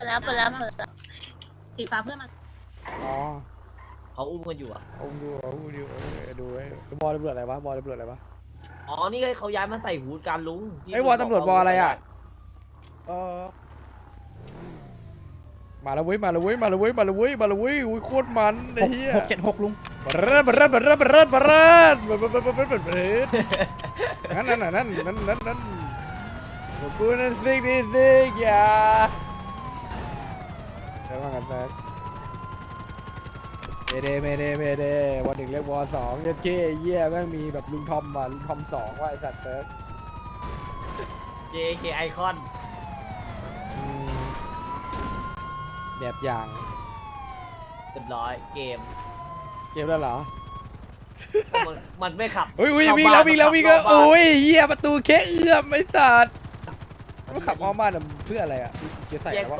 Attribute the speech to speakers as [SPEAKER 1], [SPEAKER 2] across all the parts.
[SPEAKER 1] เปิดแล้วสีฟ้าเพื่อนมา
[SPEAKER 2] อ๋อ
[SPEAKER 3] เขาอุ้มกันอยู่อ่ะ
[SPEAKER 2] เอาดูดูไอ้บอลตำรวจอะไรวะบอลตำรวจอะไรวะ
[SPEAKER 3] อ๋อนี่ไงเขาย้ายมาใส่ฮูดการลุงที่
[SPEAKER 2] ไอ้วอลตำรวจวอลอะไรอ่ะเออมาแล้วเว้ยอุ้ยโคตรมันไอ้เหี้ย
[SPEAKER 4] 676ลุง
[SPEAKER 2] บรดนั่นกูนั่นซิกอย่าได้ว่ากันแม็กเมเดวันหนึ่งเรียกวอสองยัดเก้เยี่ยแม่งมีแบบลุงทอมอ่ะลุงทอมสองว่าไอสัตว์เติร์ก
[SPEAKER 3] JK ไอคอน
[SPEAKER 2] แบบอย่าง
[SPEAKER 3] เรียบร้อยเกม
[SPEAKER 2] เกมแล้วเหรอ
[SPEAKER 3] มันไม่ขับ
[SPEAKER 2] อุ้ยวิ่งแล้วโอ้ยเหี้ยประตูแค่เอื้อมไอ้สัตว์มันขับอ้อมบ้านเพื่ออะไรอ่ะจะใส่ว่า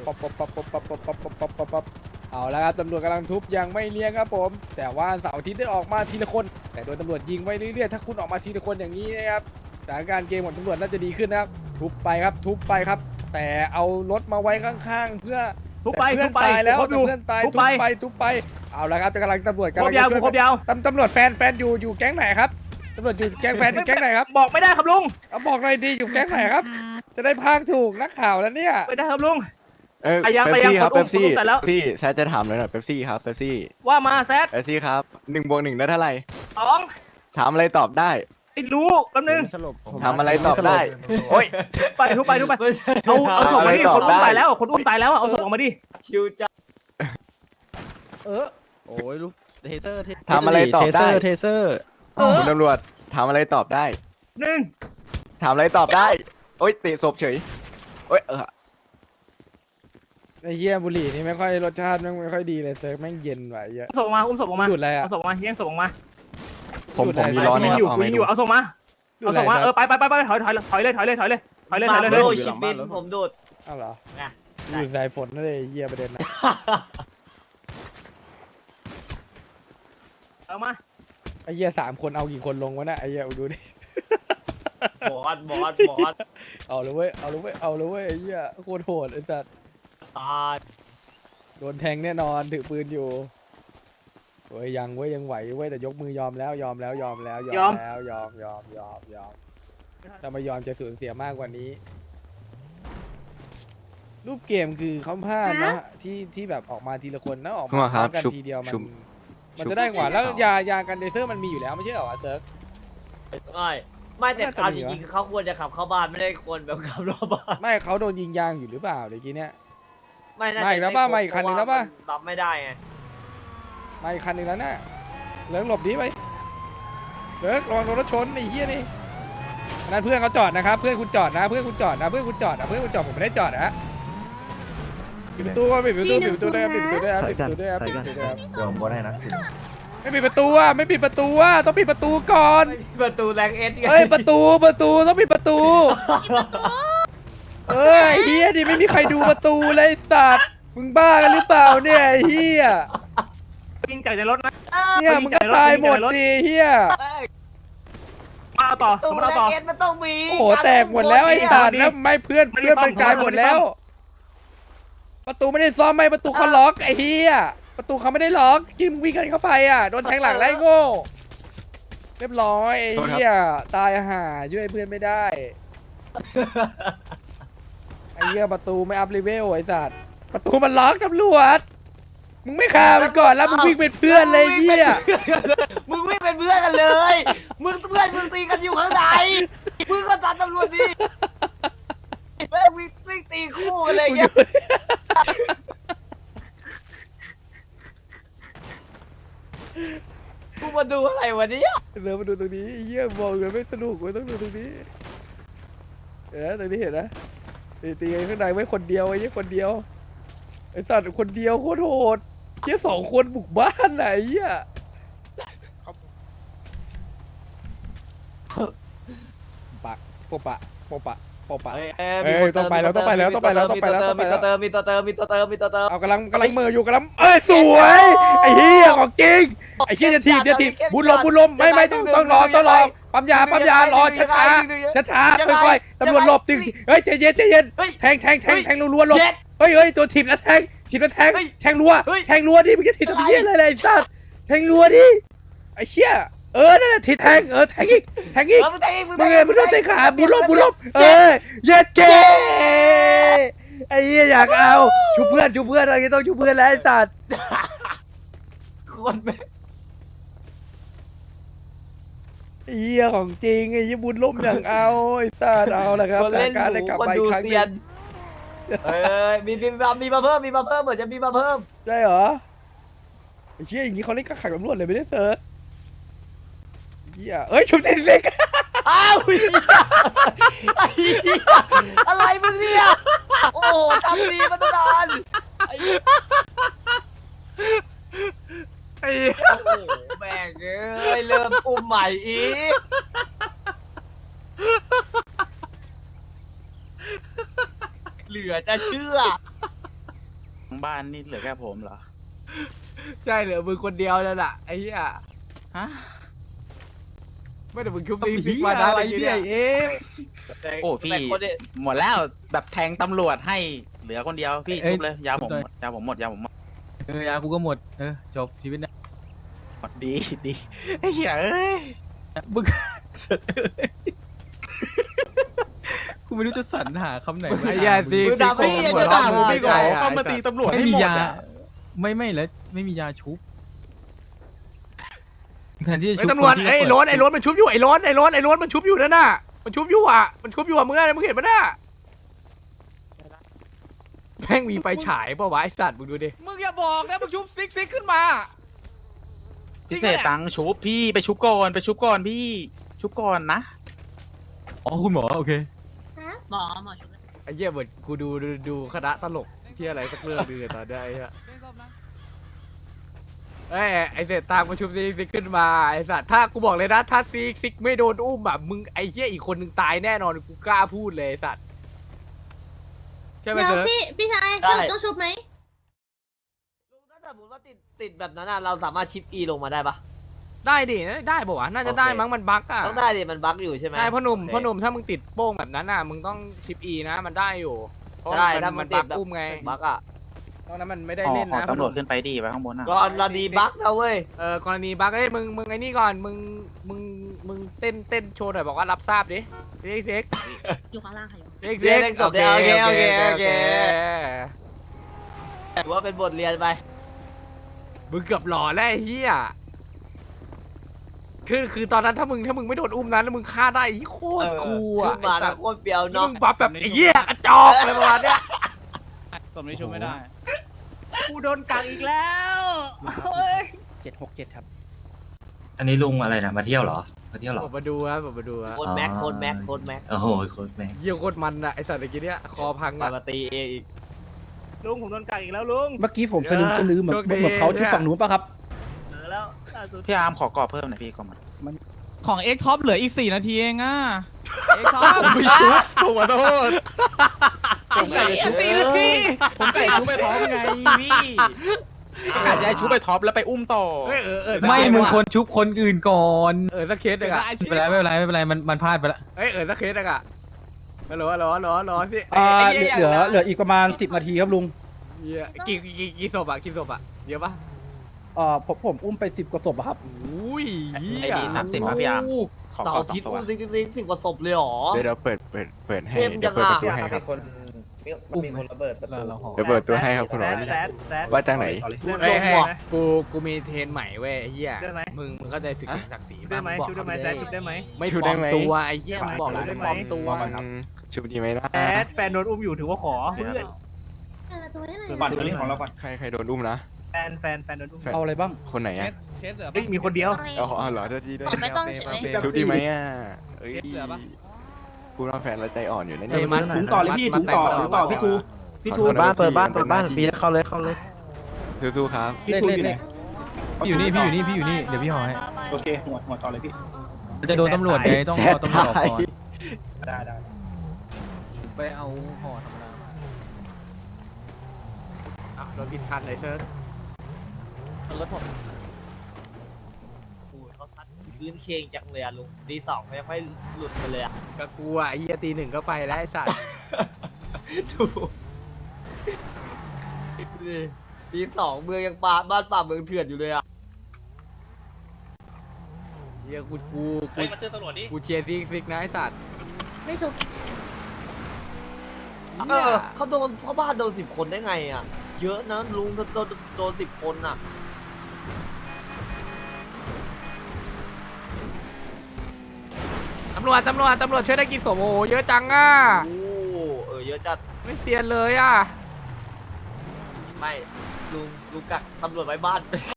[SPEAKER 2] ป๊อปเอาแล้วครับตำรวจกำลังทุบยังไม่เลี้ยงครับผมแต่ว่าเสาร์อาทิตย์ได้ออกมาทีละคนแต่โดนตำรวจยิงไว้เรื่อยๆถ้าคุณออกมาทีละคนอย่างนี้นะครับสถานการณ์เกมของตำรวจน่าจะดีขึ้นนะครับทุบไปครับแต่เอารถมาไว้ข้างๆเพื่อเพื่อนตายแล้วเพื่อนตายทุบไปเอาละครับจะกำลังตำรวจกำลังจะช่วยตำรวจแฟนอยู่แก๊งไหนครับตำรวจอยู่แก๊งแฟนอยู่แก๊งไหนครับ
[SPEAKER 4] บอกไม่ได้ครับลุง
[SPEAKER 2] เอาบอกเลยดีอยู่แก๊งไหนครับจะได้พากถูกนักข่าวแล้วเนี่ย
[SPEAKER 4] ไม่ได้ครับลุง
[SPEAKER 5] เป๊ปซี่ครับเป๊ปซี่แซดจะถามเลยหน่อยเป๊ปซี่ครับเป๊ปซี่
[SPEAKER 4] ว่ามาแซด
[SPEAKER 5] เป๊ปซี่ครับ1+1ได้เท่าไหร่
[SPEAKER 4] 2
[SPEAKER 5] ถามอะไรตอบได้
[SPEAKER 4] ไอ้รู้แป๊บนึง
[SPEAKER 5] ถามอะไรตอบได้โอ้ย
[SPEAKER 4] ไปทุบไปเอาส่งมาดิคนอุ้มตายแล้วคนอุ้มตายแล้วเอาส่งออกมาดิ
[SPEAKER 3] ชิวจ้า
[SPEAKER 6] โอ้ยลูกเทเซอร์
[SPEAKER 5] ถามอะไรตอบได้
[SPEAKER 6] เทเซอร์
[SPEAKER 5] คุณตำรวจถามอะไรตอบได้
[SPEAKER 4] 1
[SPEAKER 5] ถามอะไรตอบได้โอ้ยเตะศพเฉยโอ้ย
[SPEAKER 2] ไอ้เหี้ยบุหรี่นี่ไม่ค่อยรสชาติไม่ค่อยดีเลยเซิร์ฟแม่งเย็นว่ะเยอะ
[SPEAKER 4] ส่งมาอุ้มศพออกมา
[SPEAKER 2] ดูดอะไรอ่ะ
[SPEAKER 4] เอาศพมาแย่งศพออกมา
[SPEAKER 5] ผมมีร้อนนะครับ
[SPEAKER 4] อยู่
[SPEAKER 5] เอา
[SPEAKER 4] กู
[SPEAKER 5] ไม่
[SPEAKER 4] อ
[SPEAKER 5] ดู
[SPEAKER 4] ยู่เอาส่งมาไปถอยเลย
[SPEAKER 3] มาโรชิปบินผมดูด
[SPEAKER 2] อ้าวเหรอ
[SPEAKER 3] นะ
[SPEAKER 2] ดูดสายฝนนั่นเลยเหี้ยประเด็นนะ
[SPEAKER 4] เอามา
[SPEAKER 2] ไอ้เหี้ย3 คนเอากี่คนลงวะน่ะไอ้เหี้ยดูดิ
[SPEAKER 3] บอส
[SPEAKER 2] เอาเลยเว้ยไอ้เหี้ยโคตรโหดไอ้สัส
[SPEAKER 3] ตาย
[SPEAKER 2] โดนแทงแน่นอนถือปืนอยู่เว้ยยังไหวเว้ยแต่ยกมือยอมแล้วถ้าไม่ยอมจะสูญเสียมากกว่านี้ รูปเกมคือเขาพลาดนะที่แบบออกมาทีละคนนะออกมาพร้อมกันทีเดียวมันจะได้กว่าแล้วยากันเดเซอร์มันมีอยู่แล้วไม่ใช่เหรอเซิร์ฟ
[SPEAKER 3] ไม่แต่เอาจริงๆเขาควรจะขับเข้าบ้านไม่ได้ควรแบบขับรอบบ้าน
[SPEAKER 2] ไม่เขาโดนยิงยางอยู่หรือเปล่าเมื่อกี้เนี้ย
[SPEAKER 3] ไม่น่า
[SPEAKER 2] ไม่
[SPEAKER 3] จะ
[SPEAKER 2] แล้วป่ะไม่อีกคันหนึ่งแล้วป่ะ
[SPEAKER 3] รับไม่ได้ไง
[SPEAKER 2] มาอีกคันหนึ่งแล้วน่ะเลิกหลบดีไปเลิกระวังโดนรถชนไอ้เหี้ยนี่นั่นเพื่อนเขาจอดนะครับเพื่อนคุณจอดนะเพื่อนคุณจอดผมไม่ได้จอดนะปิดประตูปิดประตูได้ครับปิดประตูได้ครับ
[SPEAKER 7] เดี๋ยวผมบนให้นะสิ
[SPEAKER 2] ไม่ปิดประตูอ่ะต้องปิดประตูก่อน
[SPEAKER 3] ไม่มีประตูแรงเอสไง
[SPEAKER 2] เฮ้ยประตูต้องปิดประตูเอ้ยเฮียดิไม่มีใครดูประตูเลยสัตว์มึงบ้ากันหรือเปล่าเนี่ยเฮีย
[SPEAKER 4] ยิงจากในรถนะ
[SPEAKER 2] เนี่ยมึงก็ตายหมดดิเฮีย
[SPEAKER 4] มาเอาต่อ
[SPEAKER 3] ประตู
[SPEAKER 4] มา
[SPEAKER 3] แร
[SPEAKER 4] เอา
[SPEAKER 3] ง
[SPEAKER 4] ต่อ
[SPEAKER 3] เอสมันต้องมี
[SPEAKER 2] โอ้โหแตกหมดแล้วไอ้สัตว์แล้วไม่เพื่อนมันกลายหมดแล้ว ประตูไม่ได้ซ้อมไม่ประตูเขาล็อกไอ้เฮียประตูเขาไม่ได้ล็อกกินวิ่งกันเข้าไปอ่ะโดนแทงหลังไล่โง่เรียบร้อยไอ้เฮียตายห่าช่วยเพื่อนไม่ได้ไอ้เฮียประตูไม่อัพเลเวลไอ้สัตว์ประตูมันล็อกตำรวจมึงไม่ฆ่ามันก่อนแล้วมึงวิ่งเป็นเพื่อนเลยเฮีย
[SPEAKER 3] มึงไม่เป็นเพื่อนกันเลย มึงเพื่อนมึงตีกันอยู่ข้างในมึงก็ตัดตำรวจดิแม่งวิ่งตีคู่กันเลยเงี้ยกูมาดูอะไรวะเนี่ย
[SPEAKER 2] เดี๋ยวมาดูตรงนี้เยี่ยมบอกเลยไม่สนุกไม่ต้องดูตรงนี้เห็นไหมตรงนี้เห็นนะตีกันข้างในไว้คนเดียวไอ้เหี้ยคนเดียวไอ้สัตว์คนเดียวโคตรโหดเหี้ย2 คนบุกบ้านไหนเหี้ยปะโปะปบปะ
[SPEAKER 3] มีตัวเติมมีตัวเติมมีตัวเติม
[SPEAKER 2] เอากำลังมืออยู่กำลังสวยไอ้เหี้ยของจริงไอ้เหี้ยจะถีบบุญลมไม่ต้องรอปั๊มยารอช้าค่อยๆตำรวจหลบตึงเฮ้ยใจเย็นแทงรัวหลบเฮ้ยตัวถีบแล้วแทงรัวดิมึงจะถีบทำเหี้ยอะไรไอ้สัสแทงรัวดิไอ้เหี้ยนั่นแหละถีบแทงแทงอีกมึงโดนเตะขาบุญลมเย็ดเกไอ้เหี้ยอยากเอาชูเพื่อนอะไรต้องชูเพื่อนแล้วไอ้สัส
[SPEAKER 3] คนแม่
[SPEAKER 2] ไอ้เหี้ยของจริงไอ้ยี่บุญล่มอย่างเอาไอ้สัสเอาละครับ
[SPEAKER 3] คนเล่น
[SPEAKER 2] การ
[SPEAKER 3] ห
[SPEAKER 2] ได้
[SPEAKER 3] มู
[SPEAKER 2] กลับ
[SPEAKER 3] คน
[SPEAKER 2] มาอี
[SPEAKER 3] ดู
[SPEAKER 2] กครั้งห
[SPEAKER 3] เซี
[SPEAKER 2] นึ
[SPEAKER 3] ย
[SPEAKER 2] ง
[SPEAKER 3] นมีมาเพิ่มเหมือนจะมีมาเพิ่ม
[SPEAKER 2] ใช่เหรอไอ้เหี้ยอย่างนี้เขาเล่นกับขังตำรวจเลยไม่ได้เซิร์ชเหี้ยชุบเต็มเล็ก
[SPEAKER 3] อ้าวอะไรมึงเนี่ยโอ้โหทำดีมาตั้งนานไอ้โอ้โหแม่งเอ้ยเริ่มอุ้มใหม่อีกเหลือจะเชื่อ
[SPEAKER 8] บ้านนี่เหลือแค่ผมเหรอ
[SPEAKER 2] ใช่เหลือมึงคนเดียวนั่นแหละไอ้เหี้ย
[SPEAKER 8] ฮะ
[SPEAKER 2] ไม่แต่มึงชุบตีซิกมาได้เนี่ย
[SPEAKER 8] โอ้พี่ หมดแล้วแบบแทงตำรวจให้เหลือคนเดียวพี่ชุบเลยยาผมหมดยาผมหมด
[SPEAKER 6] ยากูก็หมดจบชีวิตนะ
[SPEAKER 8] ดีไอ้เหี้ยเอ้ย
[SPEAKER 6] มึงกูไม่รู้จะสรรหาคำไหน
[SPEAKER 2] ไอ้เหี้ยซิ
[SPEAKER 3] มึงด่าไม่
[SPEAKER 8] พี่จะด่าผมไม่ก่อนเข้ามาตีตำรวจ
[SPEAKER 6] ไม่
[SPEAKER 8] ให้
[SPEAKER 6] มี
[SPEAKER 8] หมด
[SPEAKER 6] ยา
[SPEAKER 8] อะ
[SPEAKER 6] ไม่แล้วไม่มียาชุบแทนที่จะชุบ
[SPEAKER 2] ตำรวจไอ้รถมันชุบอยู่ไอ้รถมันชุบอยู่นั่นน่ะมันชุบอยู่อ่ะมึงเห็นปะน่ะแม่งมีไฟฉายป่าวะไอ้สัตว์มึงดูดิ
[SPEAKER 9] มึงอย่าบอกนะมึงชุบซิกขึ้นมา
[SPEAKER 8] พิเศษตังค์ชุบพี่ไปชุบก่อนพี่ชุบก่อนนะ
[SPEAKER 6] อ๋อคุณหมอโอเค
[SPEAKER 1] หมอชุบ
[SPEAKER 2] ไอ้เหี้ยเหมือนกูดูคณะตลกที่อะไรสักเรื่องนึงตอนนี้ไอ้เหี้ยไอ้เศษตางมาชุบซิกขึ้นมาไอ้สัตว์ถ้ากูบอกเลยนะถ้าซิกไม่โดนอุ้มแบบมึงไอ้เหี้ยอีกคนนึงตายแน่นอนกูกล้าพูดเลยไอ้สัตว์ใช่ไหมเสือ
[SPEAKER 1] พี่ชายสรุปต้องชุบไหม
[SPEAKER 3] ถ้าสมมติว่าติดแบบนั้นเราสามารถชิป E ลงมาได้ปะ
[SPEAKER 2] ได้ดิได้ป่าวะน่าจะได้มั้งมันบั๊กอ่ะ
[SPEAKER 3] ต้องได้ดิมันบั๊กอยู่ใช่ไหม
[SPEAKER 2] ใช่พ่อหนุ่มถ้ามึงติดโป้งแบบนั้นอ่ะมึงต้องชิป E นะมันได้อยู่เพราะ
[SPEAKER 3] ได้
[SPEAKER 2] มัน
[SPEAKER 3] ถ้ามั
[SPEAKER 2] มัน น
[SPEAKER 3] ติ
[SPEAKER 2] บั๊
[SPEAKER 3] ด
[SPEAKER 2] ก
[SPEAKER 3] แบบ
[SPEAKER 2] อุ้มไง
[SPEAKER 3] บั๊กอ่ะ
[SPEAKER 2] ตอนนั้นมันไม่ได้
[SPEAKER 8] อ๋อ
[SPEAKER 2] เล่นนะ
[SPEAKER 8] ตำรวจขึ้นไปดีไปข้างบนอ่ะ
[SPEAKER 3] กรณีบั๊กนะเว้ย
[SPEAKER 2] กรณีบั๊กมึงไอ้นี่ก่อนมึงเต้นโชว์หน่อยบอกว่ารับทราบดิเซ็ก
[SPEAKER 1] อยู่ข้างล่างค่ะ
[SPEAKER 2] เซ็ก
[SPEAKER 3] โอเคถือว่าเป็นบทเรียนไป
[SPEAKER 2] มึงเกือบหล่อแล้วไอ้เหี้ยคือตอนนั้นถ้ามึงไม่โดนอุ้มนั้นแล้วมึงฆ่าได้ไอ้โคตรคูลอ่ะ
[SPEAKER 3] ขึ้นมาโคตรเปรียว
[SPEAKER 2] แล้ว
[SPEAKER 3] เนาะ
[SPEAKER 2] มึงบัฟแบบไอ้เหี้ยกระจอกอะไรประมาณเนี้ย
[SPEAKER 9] สมนี้ชุบไม่ได้
[SPEAKER 4] กูโดนกักอีกแล้ว
[SPEAKER 6] 767ครับ
[SPEAKER 10] อันนี้ลุงอะไรนะมาเที่ยวเหรอมาเที่ยวเหรอ
[SPEAKER 2] ผมมาดูครับ
[SPEAKER 3] โคตรแม็ก
[SPEAKER 10] โอ้โหโคตรแม่ง
[SPEAKER 2] เยี่ยโคตรมันอ่ะไอสัตว์เมื่อกี้เนี้ยคอพังอ่ะ
[SPEAKER 3] มาตีเองอีก
[SPEAKER 4] ลุงผมโดนกักอีกแล้วลุง
[SPEAKER 6] เมื่อกี้ผมสลืมเหมือนเขาที่ฝั่งนู้นป่ะครับ
[SPEAKER 4] แล้วล่าสุด
[SPEAKER 8] พี่อาร์มขอกรอบเพิ่มหน่อยพี่ก่อนมา
[SPEAKER 9] ของเอ็กท็อปเหลืออีก4 นาทีเองอ่ะเอ็กท็อป
[SPEAKER 8] ไม่ชุบผมขอโทษ
[SPEAKER 9] ผมใส่4 นาที
[SPEAKER 8] ผมใส่ชุบไปท็อปไงพี่กะจะชุบไปท็อปแล้วไปอุ้มต่อ
[SPEAKER 6] ไม่มึงคนชุบคนอื่นก่อน
[SPEAKER 2] สักเคสหนึ่งอ่ะ
[SPEAKER 6] ไม่เป็นไรมันพลาดไปละ
[SPEAKER 2] สักเคสหนึ่งอ่ะฮัลโหลสิ
[SPEAKER 6] เหลืออีกประมาณ10 นาทีครับลุง
[SPEAKER 2] กี่ศพอ่ะเยอะปะ
[SPEAKER 6] ผมอุ้มไป10 กว่าศพครับ
[SPEAKER 2] อุ้ยเหี้
[SPEAKER 8] ไอ้
[SPEAKER 2] ย
[SPEAKER 8] ดี30ป่ะพี่อาร์มขอ
[SPEAKER 3] ต่อ
[SPEAKER 8] 2
[SPEAKER 3] ทิศ
[SPEAKER 8] ตัว
[SPEAKER 3] อุ้มสิบกว่าศพเลยหรอ
[SPEAKER 5] เดี๋ยวเปิดให้
[SPEAKER 3] เข้ม
[SPEAKER 5] เดี๋ยวเปิด
[SPEAKER 3] จั
[SPEAKER 5] ป
[SPEAKER 3] ง
[SPEAKER 5] ระ
[SPEAKER 3] อะ
[SPEAKER 5] ตูให้ครับ
[SPEAKER 6] มีคนระเบิดประตู
[SPEAKER 5] เดี๋ยวเปิดประตูให้ครับคุณหมอ
[SPEAKER 4] แซด
[SPEAKER 5] ว่าจากไหน
[SPEAKER 2] กูมีเทรนใหม่เว้ยเฮียมึงเข้าใจศึกศักดิ์ศรี
[SPEAKER 4] ได้ไหมชุบได้ไหมแซดชุบได้ไหม
[SPEAKER 2] ไม่ปลอมตัวไอ้เหี้ยมึงบอกเลยไม่ปลอมตัว
[SPEAKER 5] ชุบดีไหมนะ
[SPEAKER 4] แซดแฟนโดนอุ้มอยู่ถือว่าขอเพื่อน
[SPEAKER 1] ตัวนี้ไหน
[SPEAKER 7] บัตรนี้ของเราก่อน
[SPEAKER 5] ใครโดนอุ้มนะ
[SPEAKER 4] แฟนโดนอุ้ม
[SPEAKER 6] เอาอะไรบ้าง
[SPEAKER 5] คนไหนอ่ะ
[SPEAKER 9] เคสเหลือ
[SPEAKER 4] เฮ้ยมีคนเดียว
[SPEAKER 5] อ๋อเหรอเจ้าที่ด้วย
[SPEAKER 1] ไม่ต้องใช่ไหม
[SPEAKER 5] ชุบดีไหมอ่ะเอ้ยกูรอแฟนแล้วใจอ่อนอยู่นะ
[SPEAKER 2] เฮ้
[SPEAKER 5] เนี่ย ย
[SPEAKER 2] มัน
[SPEAKER 6] ถุงต่อเลยพี่ถุงต่อพี่ทูเปิดบ้านปีเข้าเลย
[SPEAKER 5] สู้ๆครับ
[SPEAKER 6] เลขพี่อยู่นี่เดี๋ยวพี่ห่อให้
[SPEAKER 7] โอเคหัวต่อเลยพี่
[SPEAKER 6] จะโดนตำรวจไงต้องรอตำรวจก่อน
[SPEAKER 7] ได้
[SPEAKER 6] ไปเอาห่อธรรมดามา
[SPEAKER 2] โดนผิดคันเลยเซิร์ฟ
[SPEAKER 3] รถผมโอ้ยเขาซัดพื้นเคงจังเลยอะลุงตีสองยังไม่หลุดไปเลยอะ
[SPEAKER 2] ก็กลัวไอ้เหี้ยตีหนึ่งก็ไปแล้วไอ้สัตว์
[SPEAKER 3] ถูกตีสองเมืองยังบ้านป่าเมืองเถื่อนอยู่เลยอะ
[SPEAKER 2] เหี้ยกูกูเชียร์ซิกนะไอ้สัตว์
[SPEAKER 1] ไม่ชุบ
[SPEAKER 3] เขาโดนเขาบ้านโดน10 คนได้ไงอะเยอะนะลุงโดน10 คนอะ
[SPEAKER 2] ตำรวจช่วยได้กี่ศพโอ้โหเยอะจังอ่ะ
[SPEAKER 3] โอ้เยอะจัด
[SPEAKER 2] ไม่เซียนเลยอ่ะ
[SPEAKER 3] ไม่ลุงกักตำรวจไว้บ้าน